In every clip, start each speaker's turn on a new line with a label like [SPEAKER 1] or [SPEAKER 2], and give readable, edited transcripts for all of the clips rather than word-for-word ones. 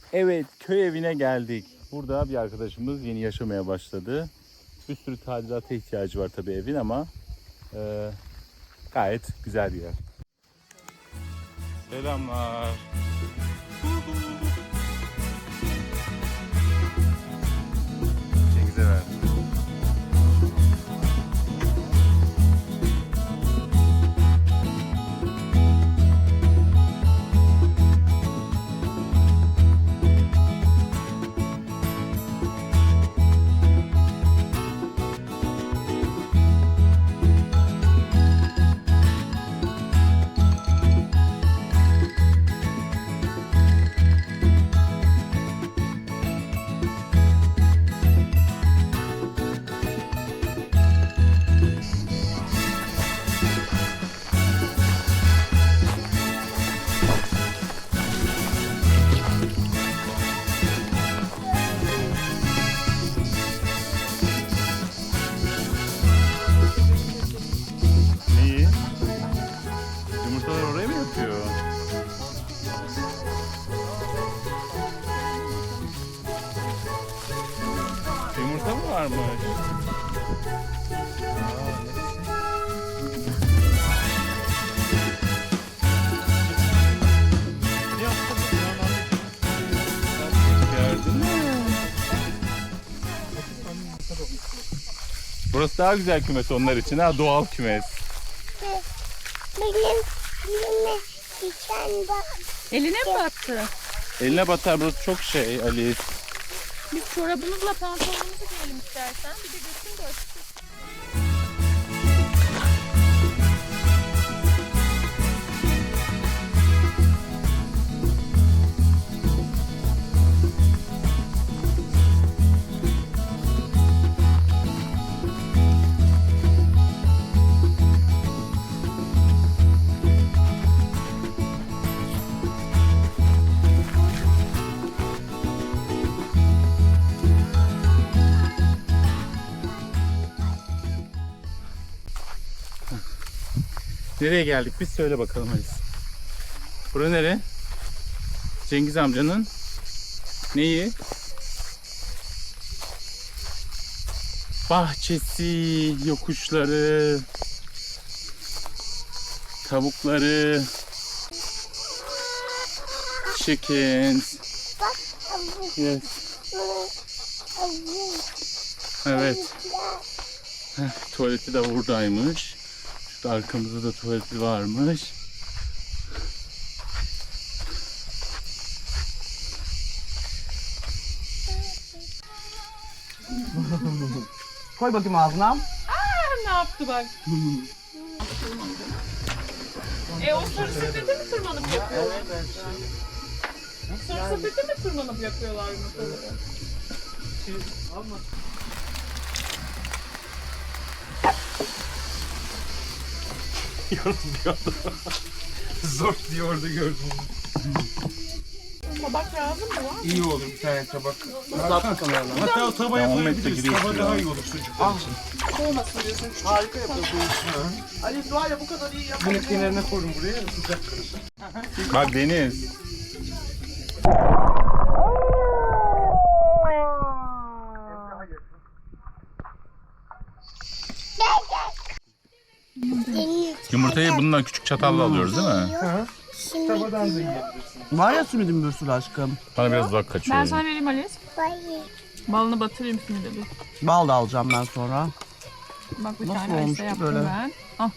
[SPEAKER 1] Evet, köy evine geldik. Burada bir arkadaşımız yeni yaşamaya başladı. Bir sürü tadilata ihtiyacı var tabii evin ama gayet güzel bir yer. Selamlar. Cengiz'e verdim. Neyi? Yumurtalar oraya mı yapıyor? Yumurta mı varmış? Gördün mü? Burası daha güzel kümes onlar için ha, doğal kümes.
[SPEAKER 2] Benim diken bak.
[SPEAKER 3] Eline mi battı?
[SPEAKER 1] Eline batar, burası çok şey Ali.
[SPEAKER 3] Biz çorabımızla pantolonumuzu giyelim istersen. Bir de götün de açık.
[SPEAKER 1] Nereye geldik biz, söyle bakalım Alice. Bura nere? Cengiz amcanın neyi? Bahçesi, yokuşları, tavukları, chickens.
[SPEAKER 2] Bak abu.
[SPEAKER 1] Yes. Evet. Tuvaleti de buradaymış. Şurada arkamızda da tuvaleti varmış.
[SPEAKER 4] Koy bakayım ağzına.
[SPEAKER 3] Ne yaptı bak? O sarı sepete mi tırmanıp yapıyorlar? Sarı sepete mi tırmanıp yapıyorlar yumurtaları?
[SPEAKER 5] Zor diye orada gördüm.
[SPEAKER 3] Tabak lazım mı var?
[SPEAKER 5] İyi olur bir tane tabak.
[SPEAKER 4] Uzat kamerana.
[SPEAKER 5] Hatta o tavaya
[SPEAKER 1] 10 metre
[SPEAKER 5] koyabiliriz.
[SPEAKER 1] gidiyor
[SPEAKER 5] Tava
[SPEAKER 1] şuraya.
[SPEAKER 5] daha iyi olur sucuk.
[SPEAKER 4] Soğumasın diyorsun. Harika yapıyorsun. Ali var ya bu kadar iyi yapar.
[SPEAKER 5] Bunu kenarına koyun buraya sıcak kalır.
[SPEAKER 1] Bak Deniz. Yumurtayı bununla küçük çatalla alıyoruz değil mi?
[SPEAKER 5] Tavadan da yiyebilirsin.
[SPEAKER 4] Var ya simidim bir sürü aşkım.
[SPEAKER 1] Bana biraz uzak kaçıyor.
[SPEAKER 3] Ben sana vereyim Alice.
[SPEAKER 2] Bayı.
[SPEAKER 3] Balını batırayım şimdi de bir.
[SPEAKER 4] Bal da alacağım ben sonra.
[SPEAKER 3] Bak bir
[SPEAKER 4] Nasıl
[SPEAKER 3] tane
[SPEAKER 4] olmuş
[SPEAKER 3] Alice'e
[SPEAKER 4] ki
[SPEAKER 3] yaptım
[SPEAKER 4] böyle?
[SPEAKER 3] ben. Al.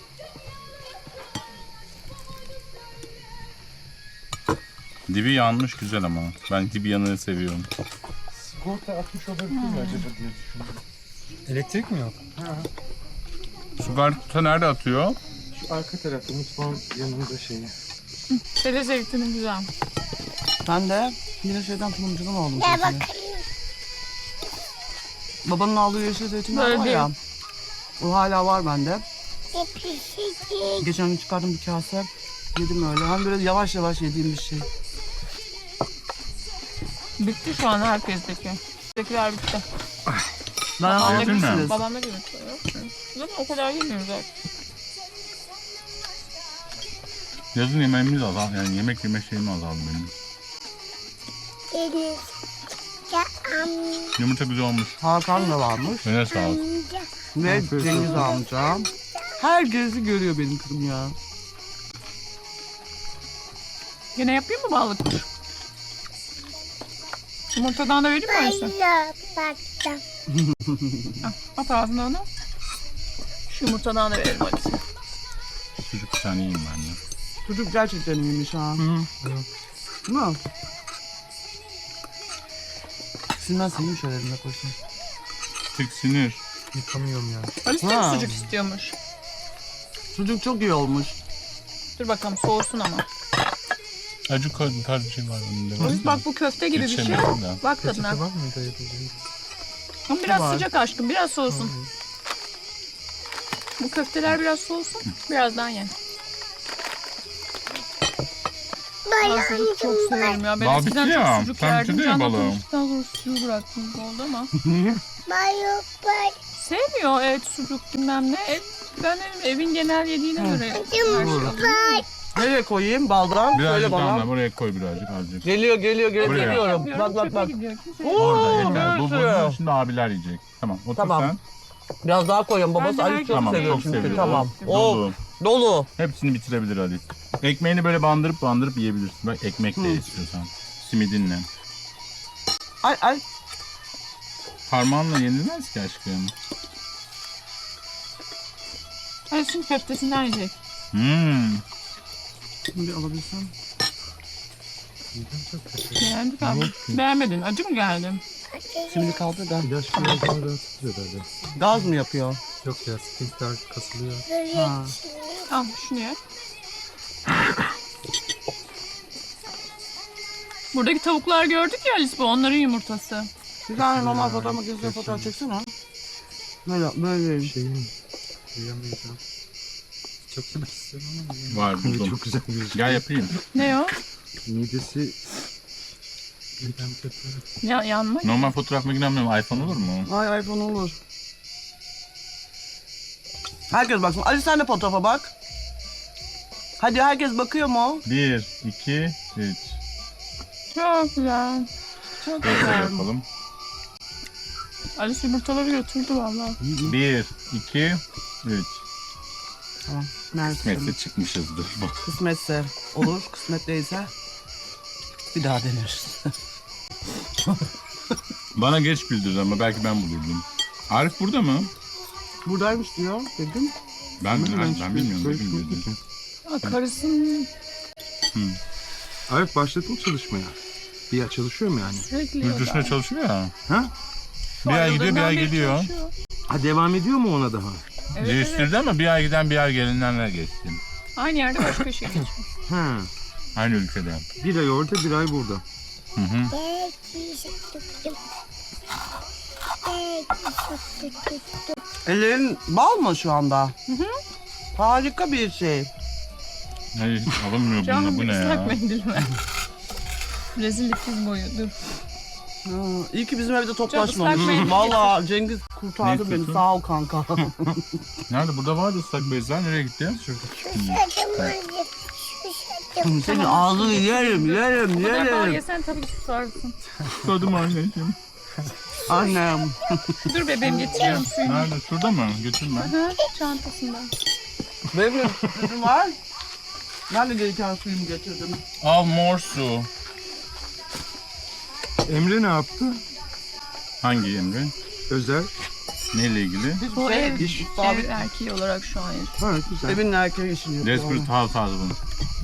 [SPEAKER 1] Dibi yanmış güzel ama. Ben dibi yanını seviyorum.
[SPEAKER 5] Sigorta atmış olabilir mi acaba diye düşündüm. Elektrik mi yok?
[SPEAKER 1] Sigorta nerede atıyor?
[SPEAKER 5] Şu arka tarafta mutfağın yanında şeyi.
[SPEAKER 3] Dede zeytinin güzel.
[SPEAKER 4] Ben de yine şeyden tulumcudan aldım.
[SPEAKER 2] Gel
[SPEAKER 4] zeytini.
[SPEAKER 2] bakayım.
[SPEAKER 4] Babanın aldığı yeşil zeytinler
[SPEAKER 3] Böyle
[SPEAKER 4] var
[SPEAKER 3] değil.
[SPEAKER 4] ya. O hala var bende.
[SPEAKER 2] Pişecek.
[SPEAKER 4] Geçen gün çıkardım bir kase. Yedim öyle. Hani böyle yavaş yavaş yediğim bir şey.
[SPEAKER 3] Bitti şu an herkesteki. Bizdekiler bitti.
[SPEAKER 4] Ben
[SPEAKER 1] Yedin mi?
[SPEAKER 4] alabilirsiniz.
[SPEAKER 3] Babamda gibi. Zaten o kadar yemiyoruz artık.
[SPEAKER 1] Yazın yemeğimiz azaldı. Yani yemek yeme şeyim azaldı benim.
[SPEAKER 2] Deniz. Ya
[SPEAKER 1] Yumurta güzel olmuş.
[SPEAKER 4] Hakan da varmış.
[SPEAKER 1] Eline sağlık.
[SPEAKER 2] amca.
[SPEAKER 4] Ve Cengiz amca. Herkesi görüyor benim kızım ya.
[SPEAKER 3] Yine yapayım mı balık? Yumurtadan da vereyim mi Ayşe?
[SPEAKER 2] Bayla baktım.
[SPEAKER 3] At ağzına onu. Şu yumurtadan da verelim hadi.
[SPEAKER 1] Çocuk bir tane yiyeyim ben de.
[SPEAKER 4] Çocuk gerçekten iyiymiş ha. Değil mi? Sinan senin şöyle eline koysun.
[SPEAKER 1] Tiksinir.
[SPEAKER 5] Yıkamıyorum ya.
[SPEAKER 3] Alice de
[SPEAKER 4] Ha.
[SPEAKER 3] mi sucuk istiyormuş?
[SPEAKER 4] Çocuk çok iyi olmuş.
[SPEAKER 3] Dur bakalım soğusun ama.
[SPEAKER 1] Acı koydum tarzı bir şey var bunda.
[SPEAKER 3] Alice bak bu köfte gibi bir şey.
[SPEAKER 1] Geçemiyorum da.
[SPEAKER 3] Bak tadına.
[SPEAKER 5] Peçete var mıydı ayabileceğim?
[SPEAKER 3] Ama biraz
[SPEAKER 4] Var.
[SPEAKER 3] sıcak aşkım, biraz soğusun. Bu köfteler biraz soğusun, birazdan ye. Ben sucuk çok severim ya. Ben
[SPEAKER 1] Bal
[SPEAKER 3] eskiden
[SPEAKER 1] bitti
[SPEAKER 3] çok
[SPEAKER 1] ya.
[SPEAKER 3] sucuk
[SPEAKER 1] Sen
[SPEAKER 3] yerdim.
[SPEAKER 1] bitirdin ya
[SPEAKER 3] Canla
[SPEAKER 1] balığı.
[SPEAKER 3] konuştuktan sonra sucuğu bıraktım oldu ama.
[SPEAKER 2] Bayla bay.
[SPEAKER 3] Sevmiyor et, sucuk bilmem ne. Ben evin genel yediğine göre her şey alıyorum.
[SPEAKER 2] Bay.
[SPEAKER 4] Nereye koyayım baldan? Söyle
[SPEAKER 1] Birazcık daha
[SPEAKER 4] bana.
[SPEAKER 1] da buraya koy birazcık azıcık.
[SPEAKER 4] Geliyor
[SPEAKER 1] Buraya.
[SPEAKER 4] geliyorum.
[SPEAKER 3] Yapıyorum,
[SPEAKER 4] Bak bak
[SPEAKER 3] çöpe
[SPEAKER 4] bak.
[SPEAKER 3] gidiyor. Kimse
[SPEAKER 1] Orada yeter. Bu
[SPEAKER 4] görürsün.
[SPEAKER 1] bunu şimdi abiler yiyecek. Tamam otur
[SPEAKER 4] Tamam.
[SPEAKER 1] sen.
[SPEAKER 4] Biraz daha koyalım. Babası
[SPEAKER 3] Ben de
[SPEAKER 4] Ali
[SPEAKER 3] herkes-
[SPEAKER 4] çok
[SPEAKER 1] Tamam
[SPEAKER 4] seviyor
[SPEAKER 1] çok
[SPEAKER 4] çünkü.
[SPEAKER 1] seviyorum.
[SPEAKER 4] Tamam. O
[SPEAKER 1] Dolu.
[SPEAKER 4] dolu.
[SPEAKER 1] Hepsini bitirebilir Ali. Ekmeğini böyle bandırıp yiyebilirsin. Bak ekmek de istiyorsan. Simidinle.
[SPEAKER 4] Ay.
[SPEAKER 1] Parmağınla yenilmez ki aşkım.
[SPEAKER 3] Alice'in köftesinden yiyecek.
[SPEAKER 4] Şimdi alabilsem.
[SPEAKER 5] Yedim çok kötü.
[SPEAKER 3] Beğendik abi. Beğenmedin. Acı mı geldi?
[SPEAKER 4] Şimdi kaldı da.
[SPEAKER 5] İlaç biraz daha rahatsız herhalde.
[SPEAKER 4] Gaz mı yapıyor?
[SPEAKER 5] Yok ya sphinkter kasılıyor.
[SPEAKER 4] Ha.
[SPEAKER 3] Al şunu ye. Buradaki tavuklar gördük ya Alice, bu onların yumurtası.
[SPEAKER 4] Bir tane normal fotoğraf makinesine fotoğraf çeksene. Böyle.
[SPEAKER 5] Şeyin yiyemayacağım. Çok yemek istiyorum ama yiyemem.
[SPEAKER 1] Var buldum.
[SPEAKER 5] Çok güzel bir şey.
[SPEAKER 1] Gel yapayım.
[SPEAKER 3] Ne o?
[SPEAKER 5] Midesi midem kötü.
[SPEAKER 3] Ya, yanmak.
[SPEAKER 1] Normal fotoğraf makinem yok. iPhone olur mu?
[SPEAKER 4] Ay iPhone olur. Herkes baksın. Ali sen de fotoğrafa bak. Hadi herkes bakıyor mu?
[SPEAKER 1] 1, 2, 3.
[SPEAKER 3] Çok güzel. Çok
[SPEAKER 1] Böyle
[SPEAKER 3] güzel.
[SPEAKER 1] yapalım.
[SPEAKER 3] Alice yumurtaları götürdü vallahi.
[SPEAKER 1] 1, 2, 3.
[SPEAKER 4] Tamam. Mersi.
[SPEAKER 1] Kısmetse çıkmışızdır. Bak.
[SPEAKER 4] Kısmetse olur. Kısmet değilse bir daha deneriz.
[SPEAKER 1] Bana geç bildirdi ama belki ben bulurdum. Arif burada mı?
[SPEAKER 4] Buradaymış diyor. Dedim.
[SPEAKER 1] Ben bilmiyorum.
[SPEAKER 5] Böyle
[SPEAKER 1] Dedim bildirdi.
[SPEAKER 3] Aa, karısının
[SPEAKER 5] Arif başladın çalışmaya. Bir yer çalışıyor mu yani?
[SPEAKER 3] sürekli
[SPEAKER 1] Yurt dışında çalışıyor ya.
[SPEAKER 5] Ha?
[SPEAKER 1] Bir ay gidiyor, bir ay
[SPEAKER 3] Ayrıldığından beri
[SPEAKER 1] geliyor.
[SPEAKER 3] çalışıyor.
[SPEAKER 5] Ha devam ediyor mu ona daha?
[SPEAKER 3] Evet, evet.
[SPEAKER 1] Değiştirdi ama bir ay giden bir ay gelinlerle geçti.
[SPEAKER 3] Aynı yerde başka bir şey geçmiş.
[SPEAKER 5] Ha.
[SPEAKER 1] Aynı ülkede.
[SPEAKER 5] Bir ay orada, bir ay burada.
[SPEAKER 1] Hı hı.
[SPEAKER 2] Belki tuttum. Belki tuttum.
[SPEAKER 4] Ellerin bal mı şu anda? Harika bir şey.
[SPEAKER 1] Hayır hiç alınmıyor
[SPEAKER 3] Canım
[SPEAKER 1] bununla. Bu ne
[SPEAKER 3] ıslak
[SPEAKER 1] ya?
[SPEAKER 3] mendil ver. Rezillik diz boyu. Dur.
[SPEAKER 4] İyi ki bizim evde
[SPEAKER 3] Çok
[SPEAKER 4] toplaşmamış.
[SPEAKER 3] ıslak mendil
[SPEAKER 4] Valla Cengiz
[SPEAKER 1] Ne
[SPEAKER 4] kurtardı beni.
[SPEAKER 1] istiyorsun?
[SPEAKER 4] Sağ ol kanka.
[SPEAKER 1] Nerede? Burada vardı ıslak bezler. Nereye gitti?
[SPEAKER 2] Susadım acı. Susadım.
[SPEAKER 4] Senin ağzını yerim.
[SPEAKER 3] Bu kadar bal
[SPEAKER 4] Yerim.
[SPEAKER 3] yesen tabii ki susarsın.
[SPEAKER 1] Susadım anneciğim.
[SPEAKER 4] Annem.
[SPEAKER 3] Dur bebeğim getiriyorum suyunu.
[SPEAKER 1] Nerede? Şurada mı? Götürme.
[SPEAKER 3] Hı, çantasında.
[SPEAKER 4] Benim de sütüm var. Ben de gereken suyumu getirdim.
[SPEAKER 1] Al mor su.
[SPEAKER 5] Emre ne yaptı?
[SPEAKER 1] Hangi Emre?
[SPEAKER 5] Özel.
[SPEAKER 1] Neyle ilgili?
[SPEAKER 3] Bu ev,
[SPEAKER 5] iş-
[SPEAKER 3] ev erkeği olarak şu an.
[SPEAKER 5] Ha güzel.
[SPEAKER 4] Evin erkeği işini yapıyor.
[SPEAKER 1] Desperate Housewives bunu.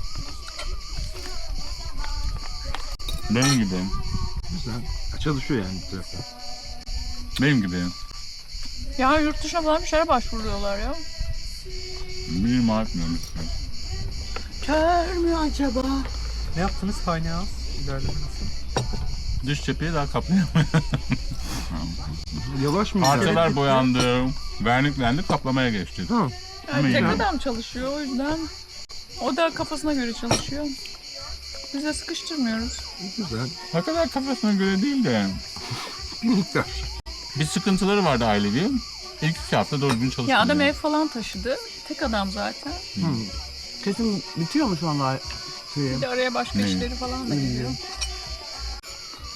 [SPEAKER 1] Benim gibi.
[SPEAKER 5] Güzel. Çalışıyor yani bu tarafta.
[SPEAKER 1] Benim gibi.
[SPEAKER 3] Ya yurt dışına falan bir şeylere başvuruyorlar ya.
[SPEAKER 1] Benim artmıyorum.
[SPEAKER 4] Kör mü acaba?
[SPEAKER 5] Ne yaptınız Tiny House? İlerleme nasıl?
[SPEAKER 1] Dış cepheyi daha kaplayamıyor.
[SPEAKER 5] Yavaş mı?
[SPEAKER 1] Parçalar boyandı. Verniklendi, kaplamaya geçti.
[SPEAKER 5] Ha.
[SPEAKER 3] Yani
[SPEAKER 1] Ama
[SPEAKER 3] tek
[SPEAKER 1] yine-
[SPEAKER 3] adam çalışıyor o yüzden. O da kafasına göre çalışıyor. Biz de sıkıştırmıyoruz.
[SPEAKER 5] Güzel.
[SPEAKER 1] Ne kadar kafasına göre değil de.
[SPEAKER 5] Bir miktar.
[SPEAKER 1] Bir sıkıntıları vardı ailevi. İlk 2 hafta doğru düzgün çalışmadı.
[SPEAKER 3] Ya adam ev falan taşıdı. Tek adam zaten.
[SPEAKER 4] Kesin bitiyor mu şu anda şeyi?
[SPEAKER 3] Bir de araya başka
[SPEAKER 1] Ne?
[SPEAKER 3] işleri falan da geliyor.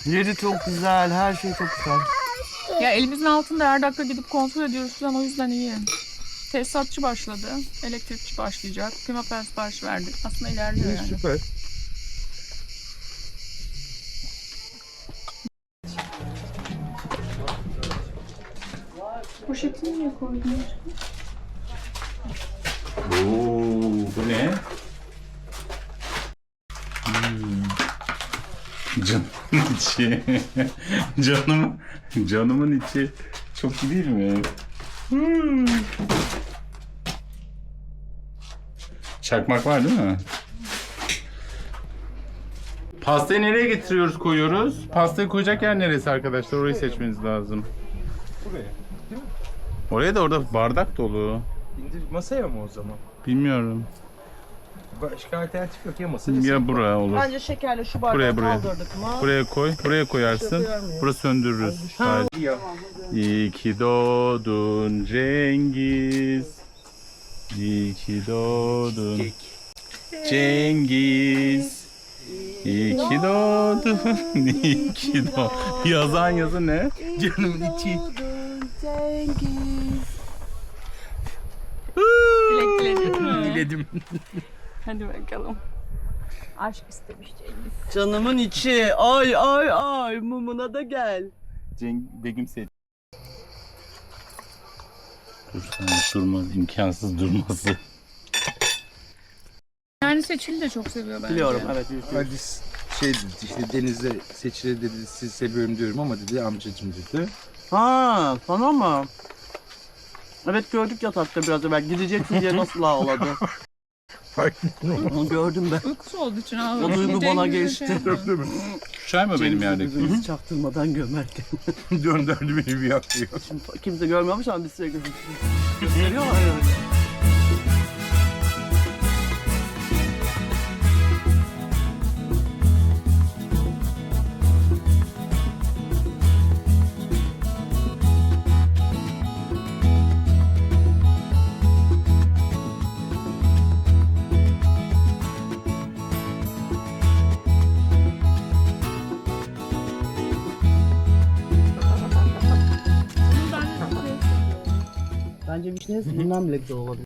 [SPEAKER 4] Yeri çok güzel, her şey çok güzel.
[SPEAKER 3] Ya elimizin altında her dakika gidip kontrol ediyoruz falan, o yüzden iyi. Tesisatçı başladı. Elektrikçi başlayacak. Pimapen sipariş verdik. Aslında ilerliyor yani.
[SPEAKER 5] Süper.
[SPEAKER 3] Poşetini niye koydun?
[SPEAKER 1] Oo, bu ne? Canımın içi. Canımın içi. Çok iyi değil mi? Çakmak var değil mi? Pastayı nereye getiriyoruz, koyuyoruz? Pastayı koyacak yer neresi arkadaşlar? Orayı seçmeniz lazım.
[SPEAKER 5] Buraya.
[SPEAKER 1] Oraya da orada bardak dolu.
[SPEAKER 5] İndir masaya mı o zaman?
[SPEAKER 1] Bilmiyorum.
[SPEAKER 5] Başka alternatif yok ya masaya.
[SPEAKER 1] Ya buraya olur.
[SPEAKER 4] Bence şekerle şu bardağı
[SPEAKER 1] Buraya.
[SPEAKER 4] kaldırdık mı?
[SPEAKER 1] Buraya koy. Buraya koyarsın. Burası söndürürüz.
[SPEAKER 5] Ya.
[SPEAKER 1] İyi ki doğdun Cengiz. İyi ki doğdun Cengiz. İyi ki doğdun. İyi ki doğdun. Yazan yazı ne?
[SPEAKER 5] Canımın içi.
[SPEAKER 3] Dilek mi?
[SPEAKER 5] Diledim.
[SPEAKER 3] Hadi bakalım. Aşk istemiş Cengiz.
[SPEAKER 4] Canımın içi. Ay ay ay. Mumuna da gel.
[SPEAKER 1] Begüm seç. Durmaz, imkansız durması.
[SPEAKER 3] Yani Seçil'i de çok seviyor bence.
[SPEAKER 4] Biliyorum evet.
[SPEAKER 5] Hadi şey dedi işte Deniz'le Seçil'e dedi sizi seviyorum diyorum ama dedi amcacım dedi.
[SPEAKER 4] Ha sana mı? Evet gördük yatakta biraz evvel. Gideceksin diye nasıl ağladı. Onu gördüm ben.
[SPEAKER 3] Uykusu olduğu için ağlıyor.
[SPEAKER 4] O duygu bana
[SPEAKER 3] Cengiz
[SPEAKER 4] geçti.
[SPEAKER 3] şey yapıyor.
[SPEAKER 1] Çay mı benim yerdeki?
[SPEAKER 4] Birbirimizi çaktırmadan gömerken.
[SPEAKER 5] Döndürdü beni bir yaklıyor.
[SPEAKER 4] Şimdi kimse görmüyormuş ama biz size gösteriyorlar yani. Bence vişne bundan bile güzel olabilir.